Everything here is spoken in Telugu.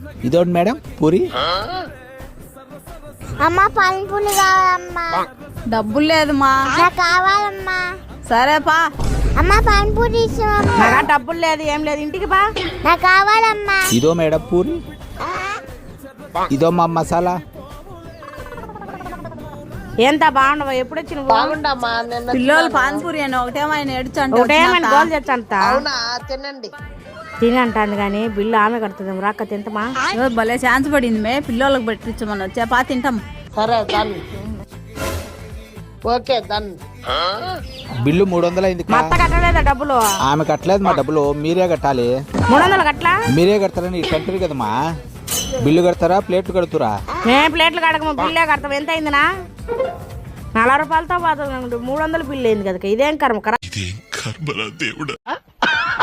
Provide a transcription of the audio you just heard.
ఇదోటి మేడం పూరి. అమ్మా పానీపూరి కావాలమ్మా. డబ్బులు లేదమ్మా. నాకు కావాలమ్మా. సరేపా. అమ్మా పానీపూరి ఇస్తామమ్మా. నాకు డబ్బులు లేదు, ఏం లేదు, ఇంటికి బా. నాకు కావాలమ్మా. ఇదో మేడం పూరి. ఇదో మా మసాలా. ఎంత బాగుండవా? ఎప్పుడు వచ్చి బాగుండమ్మా. పిల్లలు పానీపూరి అని ఒకటేమో ఆయన ఏడ్చంట, ఒకటేమని గోల్ తెచ్చంత. అవునా, తినండి. తిని అంటాను కానీ బిల్లు ఆమె కడుతుంది. రాక తింటమా? భలే ఛాన్స్ పడింది మే, పిల్లలకు పెట్టించమని వచ్చా తింటాం. సరే దాన్ని ఓకే దాన్ని. బిల్లు 300 అయింది. మా అత్త కట్టలేదా డబ్బులు? ఆమె కట్టలేదు మా డబ్బులు, మీరే కట్టాలి. 300 కట్టలా? మీరే కడతారని కంటారు కదమ్మా. బిల్లు కడతారా ప్లేట్లు కడుతురా? మేము ప్లేట్లు కడకము, బిల్లే కడతాం. ఎంత అయిందినా? 40 రూపాయలతో 300 బిల్లు అయింది కదా. ఇదేం కర్మ.